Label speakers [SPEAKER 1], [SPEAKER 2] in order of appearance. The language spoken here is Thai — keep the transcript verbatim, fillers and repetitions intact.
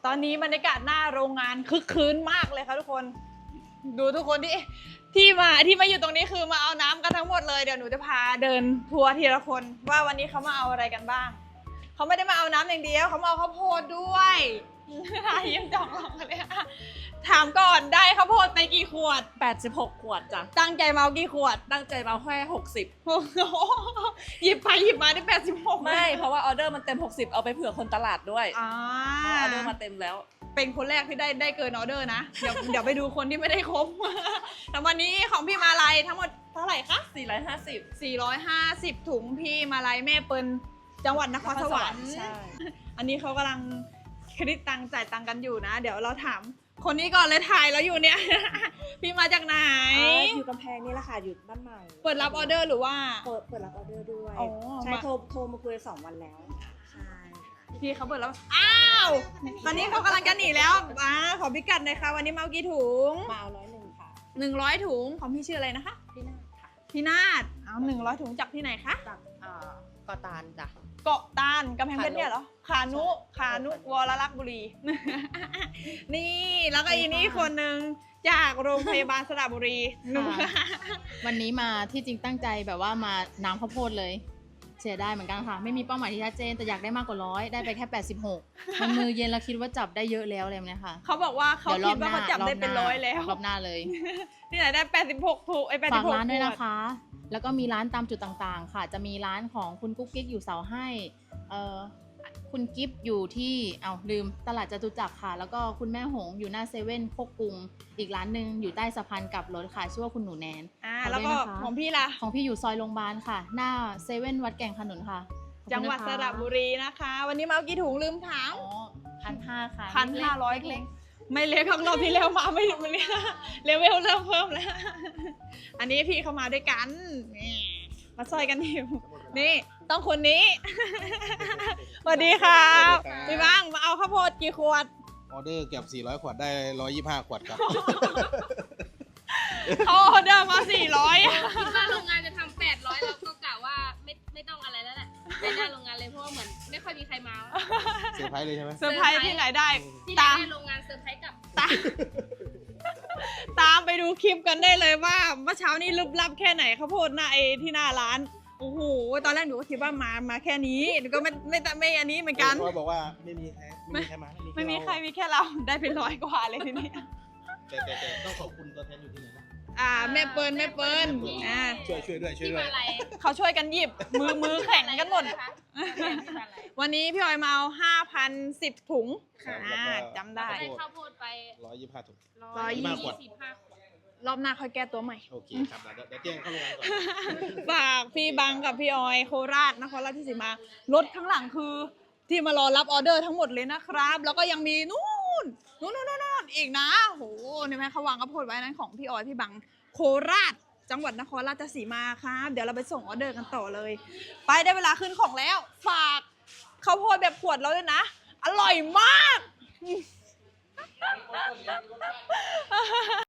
[SPEAKER 1] ตอนนี้บรรยากาศหน้าโรงงานคึกคืนมากเลยค่ะทุกคนดูทุกคนที่ที่มาที่มาอยู่ตรงนี้คือมาเอาน้ำกันทั้งหมดเลยเดี๋ยวหนูจะพาเดินทัวร์ทีละคนว่าวันนี้เขามาเอาอะไรกันบ้างเขาไม่ได้มาเอาน้ำอย่างเดียวเขามาเอาข้าวโพดด้วยยังจองลองกันเลยถามก่อนได้ข้าวโพดไปกี่ขวด
[SPEAKER 2] แปดสิบหกขวดจ้ะ
[SPEAKER 1] ตั้งใจมาเอากี่ขวด
[SPEAKER 2] ตั้งใจมาแค่หกสิบ
[SPEAKER 1] หยิบไปหยิบมาได้แปดสิบหก
[SPEAKER 2] ไม่เพราะว่าออเดอร์มันเต็มหกสิบเอาไปเผื่อคนตลาดด้วย
[SPEAKER 1] อ
[SPEAKER 2] ออเดอร์มาเต็มแล้ว
[SPEAKER 1] เป็นคนแรกที่ได้ได้เกินออเดอร์นะเดี๋ยวเดี๋ยวไปดูคนที่ไม่ได้ครบแต่วันนี้ของพี่มาลัยทั้งหมดเท่าไหร่คะ
[SPEAKER 2] สี่ร้อยห้าสิบ
[SPEAKER 1] สี่ร้อยห้าสิบถุงพี่มาลัยแม่เปิลจังหวัดนครสวรรค์
[SPEAKER 2] ใช่
[SPEAKER 1] อันนี้เขากำลังคิดตังจ่ายตังกันอยู่นะเดี๋ยวเราถามคนนี้ก่อนเลยถ่ายแล้วอยู่เนี่ยพี่มาจากไหน
[SPEAKER 3] อยู่กำแพงนี่แหละค่ะอยู่บ้านใหม่
[SPEAKER 1] เปิดรับออเดอร์หรือว่า
[SPEAKER 3] เปิดเปิดรับออเดอร์ด้วยใช่โทรโทรมาคุยสองวันแล้วใช่
[SPEAKER 1] พี่เขาเปิดแล้วอ้าวตอนนี้เขากำลังจะหนีแล้วอ่าขอพิกัดหน่อยค่ะวันนี้มาเอากี่ถุง
[SPEAKER 3] มาเอาร้อยหนึ่งค่ะ
[SPEAKER 1] หนึ่งร้อยถุงของพี่ชื่ออะไรนะคะ
[SPEAKER 3] พี่นาฏค่ะ
[SPEAKER 1] พี่นาฏเอาหนึ่งร้อยถุงจากที่ไหนคะ
[SPEAKER 3] จากเอ่อเกาะตาลจ้ะ
[SPEAKER 1] เกาะตาลกำแพงเพชรเนี่ยเหรอขานุขานุวรลักษณ์บุรีนี่แล้วก็อีนี่คนหนึ่งจากโรงพยาบาลสระบุรี
[SPEAKER 4] วันนี้มาที่จริงตั้งใจแบบว่ามาน้ำข้าวโพดเลยเสียได้เหมือนกันค่ะไม่มีเป้าหมายที่ชัดเจนแต่อยากได้มากกว่าร้อยได้ไปแค่แปดสิบหกมันมือเย็นเราคิดว่าจับได้เยอะแล้วเลยนะคะ
[SPEAKER 1] เขาบอกว่าเขาคิดว่าเขาจับได้เป็นร้อยแล้ว
[SPEAKER 4] รอบหน้าเลย
[SPEAKER 1] ที่ไหนได้แปดสิบหกถูกไอ้แปดสิบหก
[SPEAKER 4] ฝากร้านด้วยนะคะแล้วก็มีร้านตามจุดต่างๆค่ะจะมีร้านของคุณกุ๊กกิ๊กอยู่เสาให้เอ่อคุณกิฟต์อยู่ที่เอาลืมตลาดจตุจักรค่ะแล้วก็คุณแม่หงอยู่หน้าเซเว่นโคกกรุงอีกร้านหนึ่งอยู่ใต้สะพานกลับรถค่ะชื่อว่าคุณหนูแนน
[SPEAKER 1] อ่าแล้วก็ของพี่ล่ะ
[SPEAKER 4] ของพี่อยู่ซอยโรงพยาบาลค่ะหน้าเซเว่นวัดแก่งขนุนค่ะ
[SPEAKER 1] จังหวัดสระบุรีนะคะวันนี้มาเอากี่ถุงลืมถาม
[SPEAKER 4] อ๋อพันห้าค่ะ
[SPEAKER 1] พันห้าร้อยเล็กไม่เล็กของเราที่แล้วมาไม่ถึงวันนี้เลเวลเริ่มเพิ่มแล้วอันนี้พี่เข้ามาด้วยกันนี่มาซอยกันอยู่นี่ต้องคนนี้สวัสดีครับพี่บ้างมาเอาข้าวโพดกี่ขวด
[SPEAKER 5] ออเดอร์เกือบสี่ร้อยขวดได้หนึ่งร้อยยี่สิบห้าขวดครับ
[SPEAKER 1] เขาออเดอร์มาสี่ร้อย
[SPEAKER 6] คิดว่าโรงงานจะทำแปดร้อยเราก็กะว่าไม่ไม่ต้องอะไรแล้วแหละไปหน้าโรงงานเลยเพราะว่าเหมือนไม่ค่อยมีใครมา
[SPEAKER 5] เซอร์ไพรส์เลยใช่ไหม
[SPEAKER 1] เซอร์ไพรส์ที่ไหนได้
[SPEAKER 6] ที่ไหนได้โรงงานเซอร์ไพรส์กับ
[SPEAKER 1] ตามตามไปดูคลิปกันได้เลยว่าเมื่อเช้านี้ลึกลับแค่ไหนข้าวโพดหน้าไอที่หน้าร้านโอ้โหตอนแรกหนูก็คิดว่ามามาแค่นี้หนูก็ไม่ไม่ไม่อันนี้เหมือนกัน
[SPEAKER 5] เขาบอกว่าไม่มีใครไม่มีใครมา
[SPEAKER 1] ไม่มีใครมีแค่เราได้เป็นร้อยกว่าเลยทีนี้
[SPEAKER 5] แต่แต่แต่ต้องขอบคุณตัวแทนอยู่ที่ไหนนะ
[SPEAKER 1] อ่าแม่เปิลแม่เปิลอ่า
[SPEAKER 5] ช่วยช่วยด้วยช่วยด้วย
[SPEAKER 1] เขาช่วยกันหยิบมือมือแข่งกันหมดวันนี้พี่ออยมาเอาห้าพันสิบถุงอ่าจำได้
[SPEAKER 6] ได้ข้าวโพดไป
[SPEAKER 5] ร้อยยี่สิบห้าถุง
[SPEAKER 1] ร้อยยี่สิบห้ารอบหน้าค่อยแก้ตัวใหม่
[SPEAKER 5] โอเคครับเดี๋ยวเดี๋ยวแจ้งเข้าโรงงานก่อน
[SPEAKER 1] ฝากพี่บังกับพี่ออยโคราชนครราชสีมารถข้างหลังคือที่มารอรับออเดอร์ทั้งหมดเลยนะครับแล้วก็ยังมีนู่นนู่นนู่นนู่นอีกนะโหนี่ไหมเขาวางกระโพดไว้นั้นของพี่ออยพี่บังโคราชจังหวัดนครราชสีมาครับเดี๋ยวเราไปส่งออเดอร์กันต่อเลยไปได้เวลาขึ้นของแล้วฝากข้าวโพดแบบขวดแล้วด้วยนะอร่อยมาก